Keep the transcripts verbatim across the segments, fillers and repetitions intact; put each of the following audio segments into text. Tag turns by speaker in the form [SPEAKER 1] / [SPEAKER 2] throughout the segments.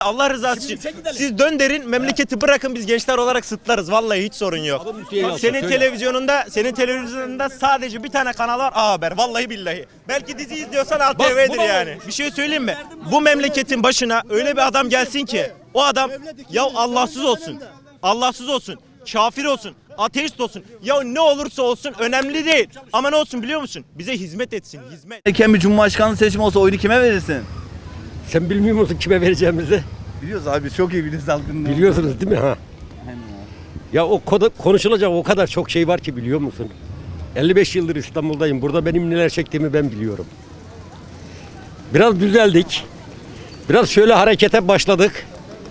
[SPEAKER 1] Allah rızası için. Siz dön derin, memleketi bırakın, biz gençler olarak sıtlarız. Vallahi hiç sorun yok. Senin televizyonunda, senin televizyonunda sadece bir tane kanal var, A Haber. Vallahi billahi. Belki dizi izliyorsan A T V'dir yani. Bir şey söyleyeyim mi? Bu memleketin başına öyle bir adam gelsin ki o adam ya Allahsız olsun. Allahsız olsun. Kafir olsun. Ateist olsun. Ya ne olursa olsun önemli değil. Ama ne olsun biliyor musun? Bize hizmet etsin. Hizmet.
[SPEAKER 2] Erken bir cumhurbaşkanlığı seçimi olsa oyunu kime verirsin?
[SPEAKER 3] Sen bilmiyor musun kime vereceğimizi?
[SPEAKER 2] Biliyoruz abi, çok iyi biliyoruz halkın.
[SPEAKER 3] Biliyorsunuz değil mi ha? Ya o konuşulacak o kadar çok şey var ki, biliyor musun? elli beş yıldır İstanbul'dayım. Burada benim neler çektiğimi ben biliyorum. Biraz düzeldik. Biraz şöyle harekete başladık.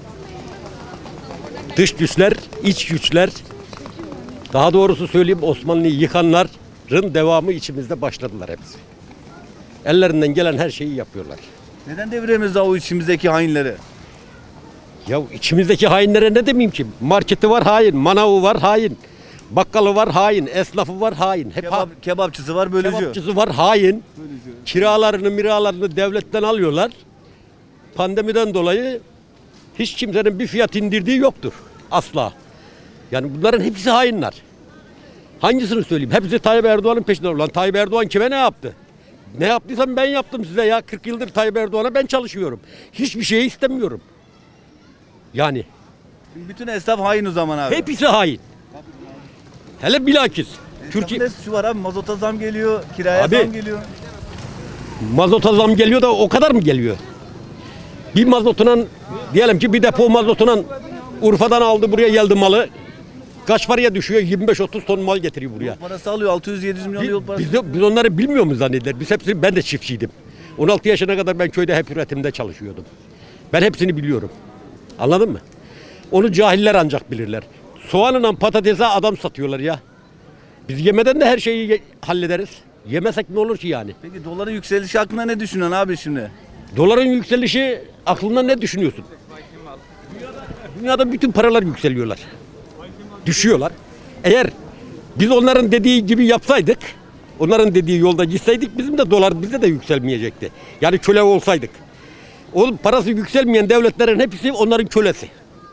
[SPEAKER 3] Dış güçler, iç güçler, daha doğrusu söyleyeyim Osmanlı'yı yıkanların devamı içimizde başladılar hepsi. Ellerinden gelen her şeyi yapıyorlar.
[SPEAKER 2] Neden deviremiyoruz daha o içimizdeki hainleri?
[SPEAKER 3] Ya içimizdeki hainlere ne demeyeyim ki? Marketi var hain, manavı var hain, bakkalı var hain, esnafı var hain. Hep
[SPEAKER 2] Kebap,
[SPEAKER 3] ha
[SPEAKER 2] kebapçısı var, bölücü.
[SPEAKER 3] Kebapçısı var hain. Bölücü. Kiralarını, miralarını devletten alıyorlar. Pandemiden dolayı hiç kimsenin bir fiyat indirdiği yoktur. Asla. Yani bunların hepsi hainler. Hangisini söyleyeyim? Hepsi Tayyip Erdoğan'ın peşinde. Ulan Tayyip Erdoğan kime ne yaptı? Ne yaptıysam ben yaptım size ya. kırk yıldır Tayyip Erdoğan'a ben çalışıyorum. Hiçbir şey istemiyorum. Yani.
[SPEAKER 2] Bütün esnaf hain o zaman abi.
[SPEAKER 3] Hepsi hain. Hele bilakis.
[SPEAKER 2] Türkiye şu var abi, mazota zam geliyor, kiraya
[SPEAKER 3] Abi,
[SPEAKER 2] zam geliyor.
[SPEAKER 3] Mazota zam geliyor da o kadar mı geliyor? Bir mazotuna, diyelim ki bir depo mazotuna Urfa'dan aldı buraya geldi malı. Kaç paraya düşüyor? yirmi beş otuz ton mal getiriyor buraya.
[SPEAKER 2] Yol parası alıyor, altı yüz yedi yüz milyon
[SPEAKER 3] Biz,
[SPEAKER 2] yol parası.
[SPEAKER 3] biz, de, biz onları bilmiyor mu zanneder? Biz hepsini, ben de çiftçiydim. on altı yaşına kadar ben köyde hep üretimde çalışıyordum. Ben hepsini biliyorum. Anladın mı? Onu cahiller ancak bilirler. Soğanla patatese adam satıyorlar ya. Biz yemeden de her şeyi ye- hallederiz. Yemesek ne olur ki yani?
[SPEAKER 2] Peki doların yükselişi hakkında ne düşünüyorsun abi şimdi?
[SPEAKER 3] Doların yükselişi aklında ne düşünüyorsun? Dünyada, dünyada bütün paralar yükseliyorlar. Düşüyorlar. Eğer biz onların dediği gibi yapsaydık, onların dediği yolda gitseydik bizim de dolar bize de yükselmeyecekti. Yani köle olsaydık. O parası yükselmeyen devletlerin hepsi onların kölesi.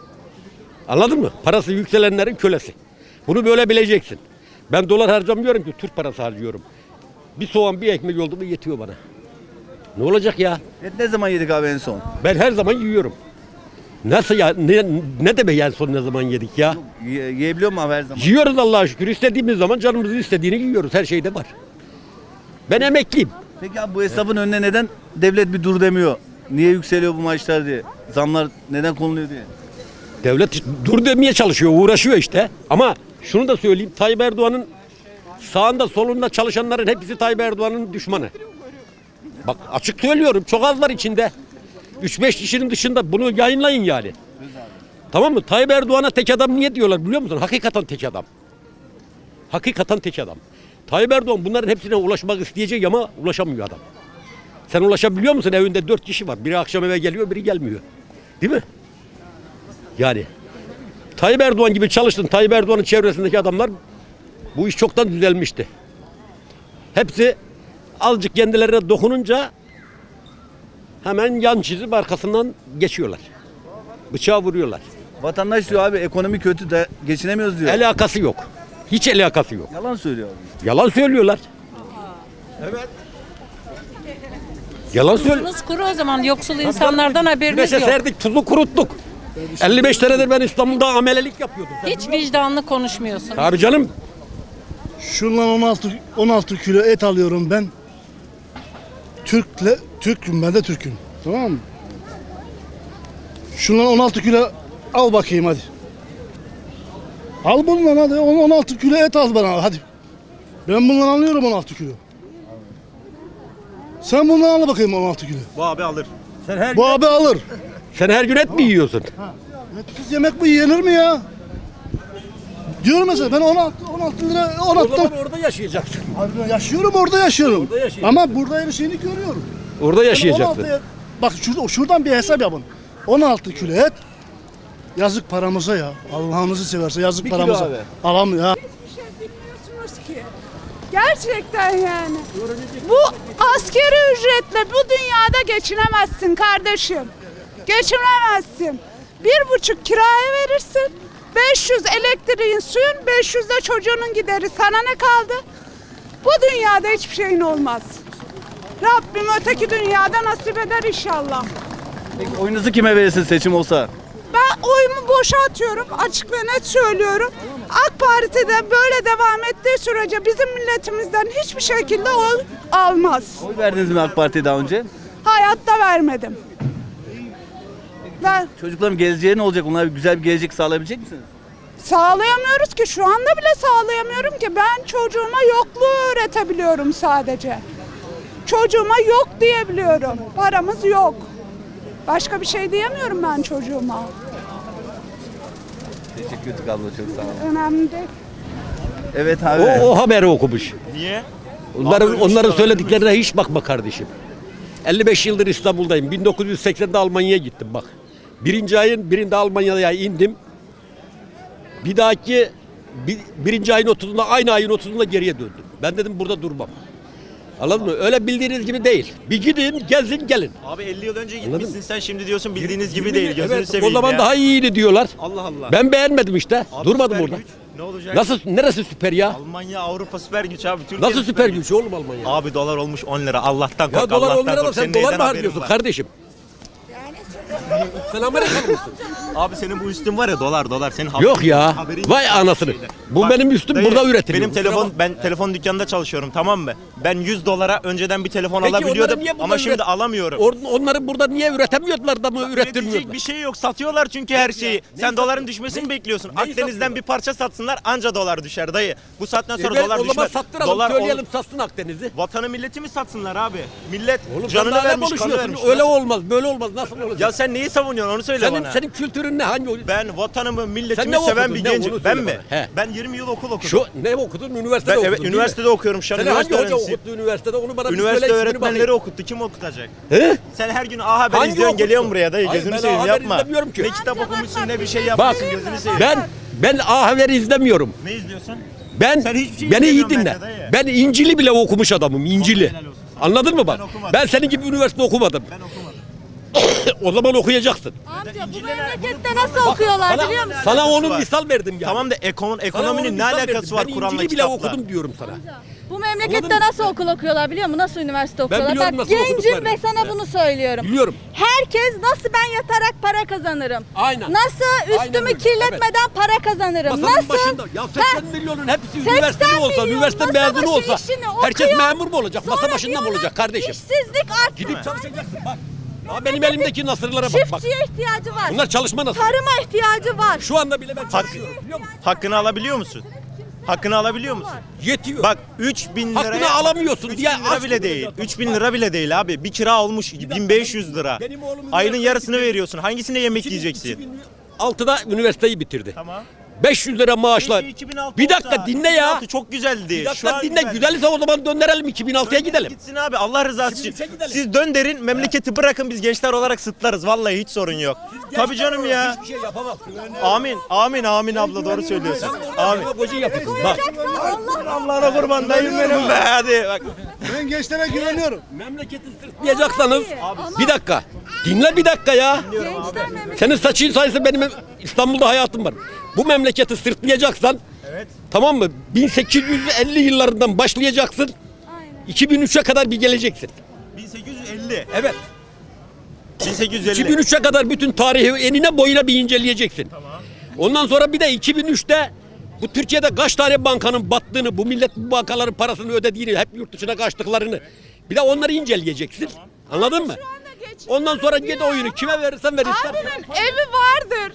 [SPEAKER 3] Anladın mı? Parası yükselenlerin kölesi. Bunu böyle bileceksin. Ben dolar harcamıyorum ki, Türk parası harcıyorum. Bir soğan, bir ekmek oldu mu yetiyor bana. Ne olacak ya?
[SPEAKER 2] Et ne zaman yedik abi en son?
[SPEAKER 3] Ben her zaman yiyorum. Nasıl ya? Ne, ne demek en son ne zaman yedik ya?
[SPEAKER 2] Ye, yiyebiliyor mu abi her zaman?
[SPEAKER 3] Yiyoruz Allah'a şükür. İstediğimiz zaman canımızın istediğini yiyoruz. Her şeyde var. Ben emekliyim.
[SPEAKER 2] Peki abi bu esnafın önüne neden devlet bir dur demiyor? Niye yükseliyor bu maaşlar diye? Zamlar neden konuluyor diye?
[SPEAKER 3] Devlet dur demeye çalışıyor, uğraşıyor işte. Ama şunu da söyleyeyim. Tayyip Erdoğan'ın sağında solunda çalışanların hepsi Tayyip Erdoğan'ın düşmanı. Bak açık söylüyorum. Çok az var içinde. üç beş kişinin dışında bunu yayınlayın yani. Tamam mı? Tayyip Erdoğan'a tek adam niye diyorlar biliyor musun? Hakikaten tek adam. Hakikaten tek adam. Tayyip Erdoğan bunların hepsine ulaşmak isteyecek ama ulaşamıyor adam. Sen ulaşabiliyor musun? Evinde dört kişi var. Biri akşam eve geliyor, biri gelmiyor. Değil mi? Yani Tayyip Erdoğan gibi çalıştın. Tayyip Erdoğan'ın çevresindeki adamlar bu iş çoktan düzelmişti. Hepsi azıcık kendilerine dokununca hemen yan çizip arkasından geçiyorlar. Bıçağı vuruyorlar.
[SPEAKER 2] Vatandaş diyor abi ekonomi kötü de geçinemiyoruz diyor.
[SPEAKER 3] Alakası yok. Hiç alakası yok.
[SPEAKER 2] Yalan söylüyor abi.
[SPEAKER 3] Yalan söylüyorlar. Evet. Yalan söylüyor.
[SPEAKER 4] Tuzunuz kuru o zaman, yoksul insanlardan haberiniz
[SPEAKER 3] Güneşe
[SPEAKER 4] yok.
[SPEAKER 3] serdik, tuzu kuruttuk. elli beş senedir ben İstanbul'da amelelik yapıyordum. Sen
[SPEAKER 4] Hiç vicdanlı konuşmuyorsun.
[SPEAKER 3] Abi canım.
[SPEAKER 5] Şundan on altı on altı kilo et alıyorum ben. Türkle Türk'üm, ben de Türk'üm. Tamam mı? Şundan on altı kilo al bakayım hadi. Al bundan hadi. on altı kilo et al bana hadi. Ben bundan alıyorum on altı kilo. Sen bundan al bakayım on altı kilo.
[SPEAKER 1] Bu abi alır.
[SPEAKER 3] Sen her,
[SPEAKER 5] Bu abi alır.
[SPEAKER 3] sen her gün et mi yiyorsun?
[SPEAKER 5] Etsiz yemek bu yenir mi ya? Diyorum mesela ben on altı on altı lira on
[SPEAKER 3] O
[SPEAKER 5] altı.
[SPEAKER 3] zaman orada yaşayacaksın.
[SPEAKER 5] Abi yaşıyorum, orada yaşıyorum.
[SPEAKER 3] Orada yaşıyorsun.
[SPEAKER 5] Ama burada her şeyini görüyorum.
[SPEAKER 3] Orada yaşayacaksın.
[SPEAKER 5] on altı, bak şurada, şuradan bir hesap yapın. on altı kilo et. Yazık paramıza ya. Allah'ınızı severse yazık
[SPEAKER 2] Bir kilo
[SPEAKER 5] paramıza.
[SPEAKER 2] abi.
[SPEAKER 5] Alam ya.
[SPEAKER 6] Bir şey bilmiyorsunuz ki. Gerçekten yani. Bu askeri ücretle bu dünyada geçinemezsin kardeşim. Geçinemezsin. Bir buçuk kiraya verirsin. beş yüz elektriğin, suyun, beş yüz de çocuğunun gideri. Sana ne kaldı? Bu dünyada hiçbir şeyin olmaz. Rabbim öteki dünyada nasip eder inşallah.
[SPEAKER 2] Peki oyunuzu kime verirsiniz seçim olsa?
[SPEAKER 6] Ben oyumu boşa atıyorum. Açık ve net söylüyorum. AK Parti'de böyle devam ettiği sürece bizim milletimizden hiçbir şekilde oy almaz.
[SPEAKER 2] Oy verdiniz mi AK Parti'ye daha önce?
[SPEAKER 6] Hayatta vermedim. Ben
[SPEAKER 2] Çocukların geleceği ne olacak? Onlara güzel bir gelecek sağlayabilecek misiniz?
[SPEAKER 6] sağlayamıyoruz ki. Şu anda bile sağlayamıyorum ki. Ben çocuğuma yokluğu öğretebiliyorum sadece. Çocuğuma yok diyebiliyorum. Paramız yok. Başka bir şey diyemiyorum ben çocuğuma.
[SPEAKER 2] Teşekkür ederim abla, çok sağ olun.
[SPEAKER 6] Önemli değil.
[SPEAKER 2] Evet abi.
[SPEAKER 3] O, o haberi okumuş.
[SPEAKER 1] Niye?
[SPEAKER 3] Onların,
[SPEAKER 1] Abi,
[SPEAKER 3] onların
[SPEAKER 1] işte-
[SPEAKER 3] söylediklerine hiç bakma kardeşim. elli beş yıldır İstanbul'dayım. bin dokuz yüz seksende Almanya'ya gittim bak. Birinci ayın birinde Almanya'ya indim. Bir dahaki bir, birinci ayın otuzunda aynı ayın otuzunda geriye döndüm. Ben dedim burada durmam. Anladın mı? Öyle bildiğiniz gibi değil. Bir gidin, gezin, gelin.
[SPEAKER 1] Abi elli yıl önce
[SPEAKER 3] Anladın
[SPEAKER 1] gitmişsin sen şimdi diyorsun bildiğiniz gibi
[SPEAKER 3] Yirmi
[SPEAKER 1] değil.
[SPEAKER 3] mi?
[SPEAKER 1] Gözünü
[SPEAKER 3] Evet,
[SPEAKER 1] seveyim
[SPEAKER 3] o zaman
[SPEAKER 1] ya.
[SPEAKER 3] daha iyiydi diyorlar.
[SPEAKER 1] Allah Allah.
[SPEAKER 3] Ben beğenmedim işte.
[SPEAKER 1] Abi
[SPEAKER 3] Durmadım
[SPEAKER 1] süper
[SPEAKER 3] orada.
[SPEAKER 1] güç. Ne olacak?
[SPEAKER 3] Nasıl, neresi süper ya?
[SPEAKER 1] Almanya, Avrupa süper güç abi. Türkiye
[SPEAKER 3] Nasıl süper güç oğlum Almanya?
[SPEAKER 1] Abi dolar olmuş on lira. Allah'tan
[SPEAKER 3] Ya
[SPEAKER 1] kork.
[SPEAKER 3] dolar on
[SPEAKER 1] Allah'tan
[SPEAKER 3] lira da
[SPEAKER 1] kork.
[SPEAKER 3] sen
[SPEAKER 1] Senin
[SPEAKER 3] dolar
[SPEAKER 1] neyden
[SPEAKER 3] mı
[SPEAKER 1] haberin
[SPEAKER 3] harcıyorsun
[SPEAKER 1] var?
[SPEAKER 3] kardeşim? Sen Amerikalı mısın?
[SPEAKER 1] Abi senin bu üstün var ya dolar dolar. Senin haberin-
[SPEAKER 3] Yok ya.
[SPEAKER 1] haberin
[SPEAKER 3] Vay
[SPEAKER 1] yok
[SPEAKER 3] anasını.
[SPEAKER 1] şeyden.
[SPEAKER 3] Bu
[SPEAKER 1] Bak,
[SPEAKER 3] benim üstüm
[SPEAKER 1] dayı,
[SPEAKER 3] burada üretiliyor.
[SPEAKER 1] Benim
[SPEAKER 3] Kusura
[SPEAKER 1] telefon
[SPEAKER 3] bakma.
[SPEAKER 1] ben telefon dükkanında çalışıyorum tamam mı? Ben yüz dolara önceden bir telefon
[SPEAKER 3] Peki
[SPEAKER 1] alabiliyordum
[SPEAKER 3] onları niye burada
[SPEAKER 1] ama şimdi
[SPEAKER 3] üret-
[SPEAKER 1] alamıyorum.
[SPEAKER 3] Or- onları burada niye üretemiyorlar da mı
[SPEAKER 1] Üretecek
[SPEAKER 3] ürettirmiyorlar?
[SPEAKER 1] bir şey yok. Satıyorlar çünkü her şeyi. Sen
[SPEAKER 3] satıyor?
[SPEAKER 1] doların düşmesini bekliyorsun.
[SPEAKER 3] Neyi
[SPEAKER 1] Akdeniz'den
[SPEAKER 3] satıyorlar?
[SPEAKER 1] bir parça satsınlar anca dolar düşer dayı. Bu saatten sonra
[SPEAKER 3] Evet,
[SPEAKER 1] dolar
[SPEAKER 3] o zaman
[SPEAKER 1] düşmez.
[SPEAKER 3] sattıralım,
[SPEAKER 1] Dolar
[SPEAKER 3] söyleyelim
[SPEAKER 1] olur.
[SPEAKER 3] satsın Akdeniz'i.
[SPEAKER 1] Vatanı milleti mi satsınlar abi? Millet
[SPEAKER 3] Oğlum
[SPEAKER 1] canını
[SPEAKER 3] sen daha ne
[SPEAKER 1] vermiş, kanı
[SPEAKER 3] konuşuyorsun?
[SPEAKER 1] vermiş.
[SPEAKER 3] Öyle
[SPEAKER 1] Nasıl-
[SPEAKER 3] olmaz, böyle olmaz. Nasıl olacak?
[SPEAKER 1] Ya sen neyi savunuyorsun onu söyle
[SPEAKER 3] senin
[SPEAKER 1] bana.
[SPEAKER 3] senin kültürün ne? Hangi oyun?
[SPEAKER 1] Ben vatanımı,
[SPEAKER 3] Sen
[SPEAKER 1] milletimi
[SPEAKER 3] ne
[SPEAKER 1] seven
[SPEAKER 3] okudun?
[SPEAKER 1] bir
[SPEAKER 3] Ne?
[SPEAKER 1] gencim.
[SPEAKER 3] Onu
[SPEAKER 1] Ben
[SPEAKER 3] söyle
[SPEAKER 1] mi?
[SPEAKER 3] bana. He.
[SPEAKER 1] Ben yirmi yıl okul okudum.
[SPEAKER 3] Şu ne okudun? Üniversitede
[SPEAKER 1] ben
[SPEAKER 3] okudun.
[SPEAKER 1] evet
[SPEAKER 3] değil mi?
[SPEAKER 1] üniversitede okuyorum şu an.
[SPEAKER 3] Seni hangi
[SPEAKER 1] üniversite
[SPEAKER 3] hoca
[SPEAKER 1] öğrencisiyim.
[SPEAKER 3] okuttu üniversitede? Onu bana bir
[SPEAKER 1] Üniversite
[SPEAKER 3] söyle, ismini
[SPEAKER 1] öğretmenleri
[SPEAKER 3] bakayım.
[SPEAKER 1] okuttu. Kim okutacak?
[SPEAKER 3] He?
[SPEAKER 1] Sen her gün A Haber
[SPEAKER 3] Hangi
[SPEAKER 1] izliyorsun
[SPEAKER 3] okuttu?
[SPEAKER 1] geliyorsun buraya dayı
[SPEAKER 3] Hayır,
[SPEAKER 1] gözünü
[SPEAKER 3] ben
[SPEAKER 1] seveyim
[SPEAKER 3] A Haber
[SPEAKER 1] yapma.
[SPEAKER 3] izlemiyorum ki.
[SPEAKER 1] Ne kitap okumuşsun ne bir şey
[SPEAKER 3] Bak
[SPEAKER 1] yapmışsın gözünü seveyim.
[SPEAKER 3] ben ben A Haber'i izlemiyorum.
[SPEAKER 1] Ne izliyorsun?
[SPEAKER 3] Ben
[SPEAKER 1] Sen hiçbir şey
[SPEAKER 3] beni iyi
[SPEAKER 1] izlemiyorsun
[SPEAKER 3] dinle.
[SPEAKER 1] bence dayı.
[SPEAKER 3] Ben İncil'i bile okumuş adamım. İncil'i.
[SPEAKER 1] helal olsun sana.
[SPEAKER 3] Anladın mı bak?
[SPEAKER 1] Ben okumadım.
[SPEAKER 3] Ben senin gibi üniversite okumadım.
[SPEAKER 1] Ben okumadım.
[SPEAKER 3] O zaman okuyacaksın.
[SPEAKER 7] Amca bu memlekette nasıl okuyorlar
[SPEAKER 3] Sana,
[SPEAKER 7] biliyor musun?
[SPEAKER 3] sana
[SPEAKER 1] alakası
[SPEAKER 3] onun
[SPEAKER 1] var?
[SPEAKER 3] misal verdim ya.
[SPEAKER 1] Tamam da ekon,
[SPEAKER 3] Sana onun
[SPEAKER 1] ekonominin ne
[SPEAKER 3] misal
[SPEAKER 1] alakası
[SPEAKER 3] verdim.
[SPEAKER 1] var
[SPEAKER 3] Ben
[SPEAKER 1] Kur'an'la
[SPEAKER 3] İncil'i bile
[SPEAKER 1] kitapla?
[SPEAKER 3] okudum diyorum sana.
[SPEAKER 7] Bu
[SPEAKER 3] Anladın
[SPEAKER 7] memlekette
[SPEAKER 3] mı?
[SPEAKER 7] nasıl okul okuyorlar biliyor musun? Nasıl üniversite okuyorlar?
[SPEAKER 3] biliyorum
[SPEAKER 7] Bak
[SPEAKER 3] nasıl
[SPEAKER 7] gencim
[SPEAKER 3] okuduklarını.
[SPEAKER 7] ve sana bunu söylüyorum.
[SPEAKER 3] Biliyorum.
[SPEAKER 7] Herkes nasıl ben yatarak para kazanırım?
[SPEAKER 3] Aynen.
[SPEAKER 7] Nasıl
[SPEAKER 3] Aynen
[SPEAKER 7] üstümü
[SPEAKER 3] öyle,
[SPEAKER 7] kirletmeden para kazanırım?
[SPEAKER 3] Masanın
[SPEAKER 7] nasıl?
[SPEAKER 3] başında. Ya
[SPEAKER 7] Ha,
[SPEAKER 3] seksen milyonun hepsi
[SPEAKER 7] seksen
[SPEAKER 3] üniversiteli olsa,
[SPEAKER 7] milyon
[SPEAKER 3] üniversite
[SPEAKER 7] masa
[SPEAKER 3] mezunu
[SPEAKER 7] başı
[SPEAKER 3] olsa
[SPEAKER 7] işini
[SPEAKER 3] herkes
[SPEAKER 7] okuyor,
[SPEAKER 3] memur mu olacak? Masa
[SPEAKER 7] sonra
[SPEAKER 3] başında mı
[SPEAKER 7] diyorlar,
[SPEAKER 3] olacak kardeşim?
[SPEAKER 7] İşsizlik arttı.
[SPEAKER 3] Gidip çalışacaksın bak. Ya benim elimdeki nasırlara bak bak.
[SPEAKER 7] Çiftçiye ihtiyacı var.
[SPEAKER 3] Bunlar çalışma nasıl?
[SPEAKER 7] Tarıma ihtiyacı var.
[SPEAKER 3] Şu anda bile ben
[SPEAKER 1] Hak,
[SPEAKER 3] çalışıyorum biliyor musun?
[SPEAKER 1] hakkını alabiliyor musun? Hakkını alabiliyor musun?
[SPEAKER 3] Yetiyor.
[SPEAKER 1] Bak üç bin liraya...
[SPEAKER 3] Hakkını alamıyorsun
[SPEAKER 1] üç
[SPEAKER 3] diye
[SPEAKER 1] bin lira
[SPEAKER 3] aç
[SPEAKER 1] bile
[SPEAKER 3] bunu
[SPEAKER 1] değil.
[SPEAKER 3] zaten.
[SPEAKER 1] üç bin lira bile değil abi. Bir kira olmuş bin beş yüz lira.
[SPEAKER 3] Benim oğlum
[SPEAKER 1] Ayının
[SPEAKER 3] üniversiteye
[SPEAKER 1] yarısını
[SPEAKER 3] gidiyor.
[SPEAKER 1] veriyorsun. Hangisine yemek yiyeceksin?
[SPEAKER 3] iki bin altıda üniversiteyi bitirdi.
[SPEAKER 1] Tamam.
[SPEAKER 3] beş yüz lira maaşla.
[SPEAKER 1] Keşke iki bin altı
[SPEAKER 3] Bir dakika
[SPEAKER 1] olsa.
[SPEAKER 3] dinle ya.
[SPEAKER 1] iki bin altı çok güzeldi.
[SPEAKER 3] Bir
[SPEAKER 1] Şu
[SPEAKER 3] dakika
[SPEAKER 1] an
[SPEAKER 3] dinle.
[SPEAKER 1] güzel.
[SPEAKER 3] Güzelse o zaman döndürelim iki bin altıya gidelim.
[SPEAKER 1] Gitsin abi Allah rızası için.
[SPEAKER 3] iki bin üçe gidelim.
[SPEAKER 1] Siz dön derin memleketi bırakın biz gençler olarak sıtlarız. Vallahi hiç sorun yok. Tabii canım ya.
[SPEAKER 3] Hiçbir şey yapamazsın.
[SPEAKER 1] Amin. Amin amin abla doğru söylüyorsun. Amin.
[SPEAKER 3] Demagoji yapıyorsun. Bak.
[SPEAKER 1] Allah'ına kurban dayım benim be hadi bak.
[SPEAKER 5] Ben gençlere güveniyorum.
[SPEAKER 3] Memleketi sırtlayacaksanız bir dakika. Dinle bir dakika ya.
[SPEAKER 7] Gençler memlekette
[SPEAKER 3] Senin saçın sayısı benim İstanbul'da hayatım var. Bu memleketi sırtlayacaksan
[SPEAKER 1] Evet.
[SPEAKER 3] tamam mı? bin sekiz yüz elli yıllarından başlayacaksın. iki bin üçe kadar bir geleceksin.
[SPEAKER 1] bin sekiz yüz elli.
[SPEAKER 3] Evet.
[SPEAKER 1] bin sekiz yüz elli.
[SPEAKER 3] iki bin üçe kadar bütün tarihi enine boyuna bir inceleyeceksin. Ondan sonra bir de iki bin üçte bu Türkiye'de kaç tane bankanın battığını, bu millet bu bankaların parasını ödediğini, hep yurt dışına kaçtıklarını bir de onları inceleyeceksin. Anladın mı? Ondan sonra git oyunu kime verirsen ver ister.
[SPEAKER 6] Abimin evi vardır.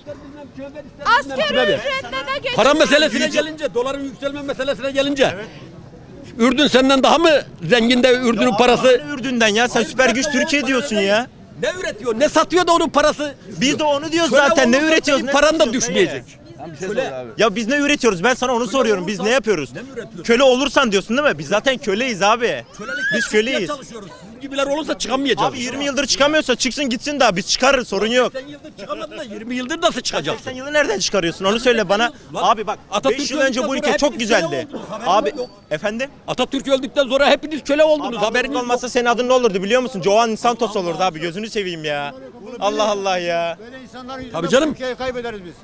[SPEAKER 6] Asgari
[SPEAKER 3] Kime ver?
[SPEAKER 6] ücretle de geçinir.
[SPEAKER 3] Para meselesine gelince, doların yükselme meselesine gelince Ürdün senden daha mı zengin de Ürdün'ün parası?
[SPEAKER 1] Ne Ürdün'den ya sen süper güç Türkiye diyorsun ya.
[SPEAKER 3] Ne üretiyor, ne satıyor da onun parası?
[SPEAKER 1] Biz de onu diyoruz
[SPEAKER 3] Şöyle
[SPEAKER 1] zaten ne
[SPEAKER 3] olursa
[SPEAKER 1] üretiyoruz
[SPEAKER 3] senin
[SPEAKER 1] ne
[SPEAKER 3] paran da
[SPEAKER 1] satıyoruz,
[SPEAKER 3] düşmeyecek.
[SPEAKER 2] Bir şey söyle abi.
[SPEAKER 1] Ya biz ne üretiyoruz? Ben sana onu soruyorum. Biz ne yapıyoruz?
[SPEAKER 3] Ne mi üretiyoruz?
[SPEAKER 1] Köle olursan diyorsun değil mi? Biz zaten köleyiz abi.
[SPEAKER 3] Kölelikle
[SPEAKER 1] Biz
[SPEAKER 3] çıkmaya
[SPEAKER 1] köleyiz.
[SPEAKER 3] çalışıyoruz. Sizin gibiler olursa çıkamayacağız.
[SPEAKER 1] Abi yirmi yıldır çıkamıyorsa çıksın gitsin daha biz çıkarırız sorun yok.
[SPEAKER 3] seksen yıldır çıkamadın da yirmi yıldır nasıl çıkacaksın?
[SPEAKER 1] seksen yılı nereden çıkarıyorsun onu söyle bana. Abi bak
[SPEAKER 3] Atatürk
[SPEAKER 1] beş yıl önce bu
[SPEAKER 3] öldükten
[SPEAKER 1] ülke
[SPEAKER 3] sonra
[SPEAKER 1] çok
[SPEAKER 3] hepiniz köle
[SPEAKER 1] güzeldi.
[SPEAKER 3] oldunuz, haberiniz
[SPEAKER 1] Abi
[SPEAKER 3] yok.
[SPEAKER 1] efendim?
[SPEAKER 3] Atatürk öldükten sonra hepiniz köle oldunuz.
[SPEAKER 1] Haberiniz
[SPEAKER 3] Haberiniz yok.
[SPEAKER 1] olmasa senin adın ne olurdu biliyor musun? Joan Santos olurdu abi gözünü seveyim ya. Allah Allah ya.
[SPEAKER 8] Böyle insanların yüzünden
[SPEAKER 3] Tabii canım.
[SPEAKER 8] Türkiye'yi kaybederiz biz.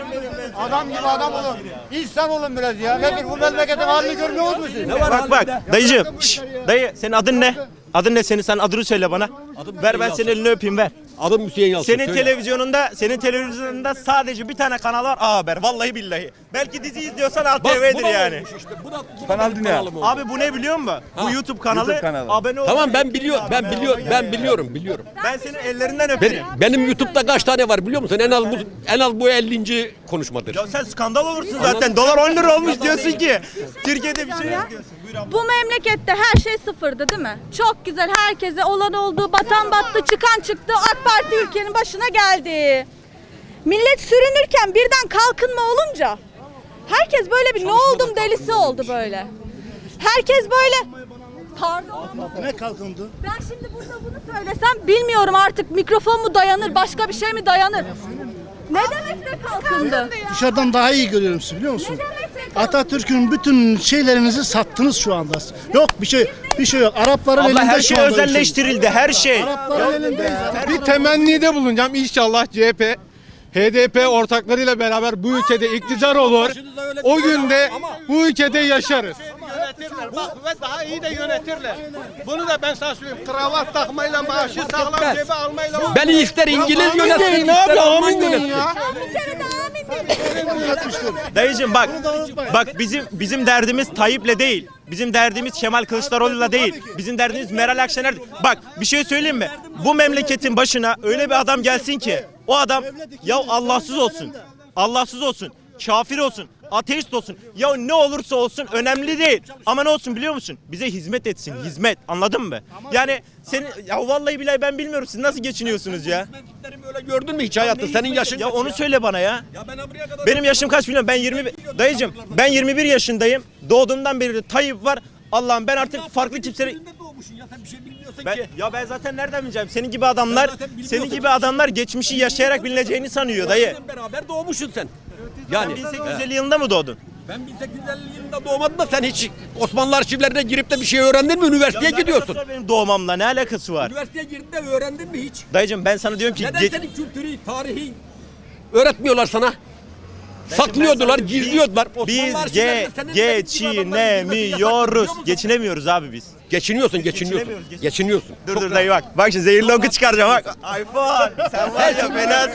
[SPEAKER 8] Adam gibi adam olun. İnsan olun biraz ya. Nedir bu memleketin halini görmüyor musunuz siz?
[SPEAKER 1] Bak bak dayıcığım. Şş, dayı senin adın ne? Adın ne senin? Sen adını söyle bana. Ver ben senin elini öpeyim ver.
[SPEAKER 3] Adım Hüseyin Yalçın.
[SPEAKER 1] Senin
[SPEAKER 3] söyle.
[SPEAKER 1] televizyonunda, senin televizyonunda sadece bir tane kanal var. A Haber. Vallahi billahi. Belki dizi izliyorsan
[SPEAKER 3] Bak,
[SPEAKER 1] A
[SPEAKER 3] bu
[SPEAKER 1] T V'dir
[SPEAKER 3] da
[SPEAKER 1] yani.
[SPEAKER 3] olmuş işte. Bu da, bu da
[SPEAKER 2] Kanal
[SPEAKER 3] benim
[SPEAKER 2] Dünya.
[SPEAKER 3] kanalım oldu.
[SPEAKER 1] Abi bu ne biliyor musun? Bu YouTube kanalı.
[SPEAKER 2] YouTube kanalı.
[SPEAKER 1] Abone ol.
[SPEAKER 3] Tamam ben biliyorum. Ben biliyorum. Ben biliyorum. Biliyorum.
[SPEAKER 1] Ben senin ellerinden
[SPEAKER 3] Benim,
[SPEAKER 1] öperim.
[SPEAKER 3] benim YouTube'da kaç tane var biliyor musun? En az bu en az bu ellinci konuşmadır.
[SPEAKER 1] Ya sen skandal olursun zaten. Dolar on lira olmuş diyorsun ki. Türkiye'de bir şey yok diyorsun. Buyur abla.
[SPEAKER 7] Bu memlekette her şey sıfırdı değil mi? Çok güzel, herkese olan oldu, batan battı, çıkan çıktı. AK Parti ülkenin başına geldi. Millet sürünürken birden kalkınma olunca herkes böyle bir ne oldum delisi oldu böyle. Herkes böyle pardon.
[SPEAKER 5] Ne kalkındı?
[SPEAKER 7] Ben şimdi burada bunu söylesem bilmiyorum artık mikrofon mu dayanır, başka bir şey mi dayanır? Ne demek de kalkındı?
[SPEAKER 5] Dışarıdan daha iyi görüyorum sizi biliyor musun?
[SPEAKER 7] Ne demek de
[SPEAKER 5] Atatürk'ün bütün şeylerinizi sattınız şu anda. Yok bir şey bir şey yok. Arapların
[SPEAKER 1] Abla
[SPEAKER 5] elinde
[SPEAKER 1] her
[SPEAKER 5] şu
[SPEAKER 1] şey
[SPEAKER 5] anda bir şey.
[SPEAKER 1] özelleştirildi. Her şey.
[SPEAKER 5] Arapların elinde.
[SPEAKER 9] Bir temennide bulunacağım. İnşallah C H P, H D P ortaklarıyla beraber bu ülkede iktidar olur. O günde bu ülkede yaşarız.
[SPEAKER 10] Yönetirler bak ve daha iyi de yönetirler. Bunu da ben sana söyleyeyim. Kravat takmayla maaşı sağlam cebe almayla.
[SPEAKER 3] Beni ister İngiliz
[SPEAKER 9] Amin
[SPEAKER 3] yönetsin,
[SPEAKER 9] deyin
[SPEAKER 3] ister
[SPEAKER 9] abi,
[SPEAKER 3] Alman
[SPEAKER 9] amin deyin
[SPEAKER 3] yönetsin.
[SPEAKER 9] ya.
[SPEAKER 7] Bir kere de amin dedim.
[SPEAKER 1] Dayıcım bak. Bak bizim bizim derdimiz Tayyip'le değil. Bizim derdimiz Kemal Kılıçdaroğlu'yla değil. Bizim derdimiz Meral Akşener. Bak bir şey söyleyeyim mi? Bu memleketin başına öyle bir adam gelsin ki o adam ya Allahsız olsun. Allahsız olsun. Kafir olsun. Ateist olsun. Ya ne olursa olsun önemli değil. Ama ne olsun biliyor musun? Bize hizmet etsin. Hizmet. Anladın mı? Yani senin ya vallahi billahi ben bilmiyorum siz nasıl geçiniyorsunuz ya?
[SPEAKER 3] Hizmetçilerimi öyle gördün mü hiç hayatta? Senin yaşın
[SPEAKER 1] Ya
[SPEAKER 3] kaç
[SPEAKER 1] onu söyle bana ya.
[SPEAKER 3] Ya ben buraya kadar
[SPEAKER 1] Benim yaşım kaç biliyorum? Ben yirmi bir dayıcım ben yirmi bir yaşındayım. Doğduğumdan beri de Tayyip var. Allah'ım ben artık farklı kimseleri
[SPEAKER 3] Elinde doğmuşsun ya sen bir şey bilmiyorsun
[SPEAKER 1] ben,
[SPEAKER 3] ki.
[SPEAKER 1] ya ben zaten nereden bileceğim? Senin gibi adamlar,
[SPEAKER 3] Ben zaten bilmiyorsun.
[SPEAKER 1] senin gibi adamlar geçmişi yaşayarak bilineceğini sanıyor dayı.
[SPEAKER 3] Seninle beraber doğmuşsun sen.
[SPEAKER 1] Sen
[SPEAKER 3] Yani
[SPEAKER 1] bin sekiz yüz elli yılında mı doğdun?
[SPEAKER 3] ben bin sekiz yüz elli yılında doğmadım da sen hiç Osmanlı arşivlerine girip de bir şey öğrendin mi? Üniversiteye
[SPEAKER 1] Ya ne
[SPEAKER 3] gidiyorsun.
[SPEAKER 1] alakası var benim doğmamla ne alakası var?
[SPEAKER 3] Üniversiteye girip de öğrendin mi hiç?
[SPEAKER 1] Dayıcım ben sana diyorum ki
[SPEAKER 3] Neden
[SPEAKER 1] geç-
[SPEAKER 3] senin kültürü, tarihi öğretmiyorlar sana? Saklıyordular,
[SPEAKER 1] Biz-
[SPEAKER 3] gizliyorlar.
[SPEAKER 1] Biz
[SPEAKER 3] Osmanlı arşivlerinde
[SPEAKER 1] ge
[SPEAKER 3] senin gibi adamların
[SPEAKER 1] geçinemiyoruz.
[SPEAKER 3] girmesi yasak, biliyor musun?
[SPEAKER 1] Geçinemiyoruz abi biz.
[SPEAKER 3] Geçiniyorsun, geçiniyorsun.
[SPEAKER 1] Geçinemiyoruz, geçin-
[SPEAKER 3] Geçiniyorsun.
[SPEAKER 1] Dur
[SPEAKER 3] Çok
[SPEAKER 1] dur
[SPEAKER 3] rahat.
[SPEAKER 1] dayı bak. Bak şimdi zehirli oku çıkaracağım bak. iPhone sen var ya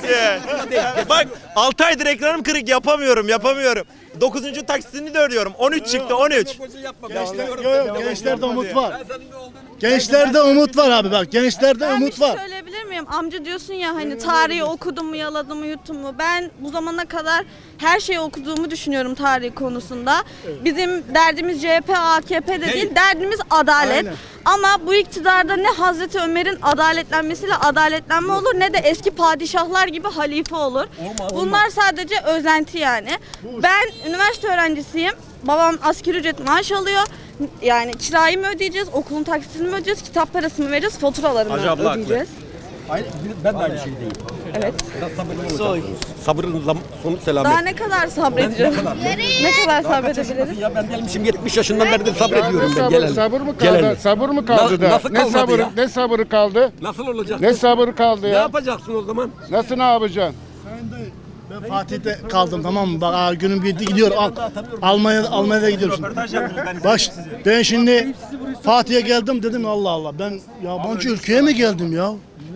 [SPEAKER 1] fenasın. Bak altı aydır ekranım kırık yapamıyorum yapamıyorum. dokuzuncu taksitini de ödüyorum. on üç çıktı on üç.
[SPEAKER 5] Yok yok gençlerde umut var. Gençlerde umut var abi bak. Gençlerde
[SPEAKER 7] Ben bir
[SPEAKER 5] umut
[SPEAKER 7] şey
[SPEAKER 5] var.
[SPEAKER 7] söyleyebilir miyim? Amca diyorsun ya hani tarihi okudum mu, yaladım mı, yuttum mu? Ben bu zamana kadar her şeyi okuduğumu düşünüyorum tarih konusunda. Bizim derdimiz C H P, A K P de değil, derdimiz adalet.
[SPEAKER 5] Aynen.
[SPEAKER 7] Ama bu iktidarda ne Hazreti Ömer'in adaletlenmesiyle adaletlenme olur ne de eski padişahlar gibi halife olur. Bunlar sadece özenti yani. Ben üniversite öğrencisiyim. Babam asgari ücret maaş alıyor. Yani kirayı mı ödeyeceğiz, okulun taksitini mi ödeyeceğiz, kitap parası mı vereceğiz, faturalarını
[SPEAKER 3] Hacı abla haklı.
[SPEAKER 7] ödeyeceğiz.
[SPEAKER 3] Aynı, ben de aynı şeydeyim.
[SPEAKER 7] Evet.
[SPEAKER 3] Biraz sabırlı olacaksınız. Sabrın zam- sonu selamet.
[SPEAKER 7] Daha ne kadar sabredeceğiz? Ne kadar sabredebiliriz?
[SPEAKER 3] Ya ben gelmişim yetmiş yaşından beri de sabrediyorum ben.
[SPEAKER 9] Sabır,
[SPEAKER 3] Geleli.
[SPEAKER 9] sabır mı kaldı?
[SPEAKER 3] Geleli.
[SPEAKER 9] Sabır mı kaldı
[SPEAKER 3] Na-
[SPEAKER 9] da?
[SPEAKER 3] nasıl
[SPEAKER 9] Ne
[SPEAKER 3] kalmadı
[SPEAKER 9] sabırı?
[SPEAKER 3] ya?
[SPEAKER 9] Ne sabırı kaldı?
[SPEAKER 3] Nasıl olacak?
[SPEAKER 9] Ne sabırı kaldı
[SPEAKER 3] Ne
[SPEAKER 9] ya?
[SPEAKER 3] yapacaksın o zaman?
[SPEAKER 9] Nasıl ne yapacaksın?
[SPEAKER 5] Ben Fatih'te kaldım tamam mı? Bak aa, günüm gitti gidiyor. Al, Almanya Almanya'da gidiyoruz.
[SPEAKER 1] Röportaj yaptınız ben.
[SPEAKER 5] Baş ben şimdi Fatih'e geldim dedim Allah Allah ben yabancı ülkeye mi geldim ya?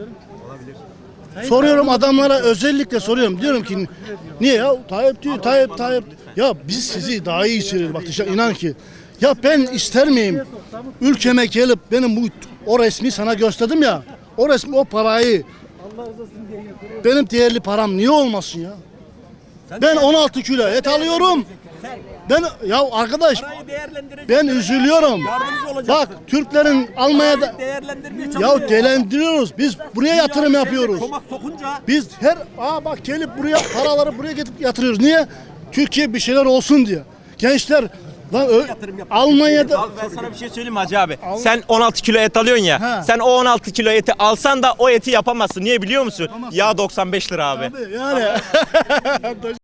[SPEAKER 5] Soruyorum adamlara özellikle soruyorum. Diyorum ki niye ya? Tayyip diyor Tayyip Tayyip. Ya biz sizi daha iyi hissediyoruz bak dışarı inan ki. Ya ben ister miyim ülkeme gelip benim bu o resmi sana gösterdim ya. O resmi o parayı benim değerli param niye olmasın ya? Ben on altı kilo et alıyorum. Ben ya arkadaş ben üzülüyorum. Bak Türklerin Almanya'da ya değerlendiriyoruz. Biz buraya yatırım yapıyoruz.
[SPEAKER 3] Tomak sokunca
[SPEAKER 5] Biz her aa bak gelip buraya paraları buraya getirip yatırıyoruz. Niye? Türkiye bir şeyler olsun diye. Gençler lan ö- Almanya'da
[SPEAKER 1] Abi ben sana bir şey söyleyeyim mi Hacı abi? Sen on altı kilo et alıyorsun ya.
[SPEAKER 5] Ha.
[SPEAKER 1] Sen o on altı kilo eti alsan da o eti yapamazsın. Niye biliyor musun? Yağ doksan beş lira abi.
[SPEAKER 5] yani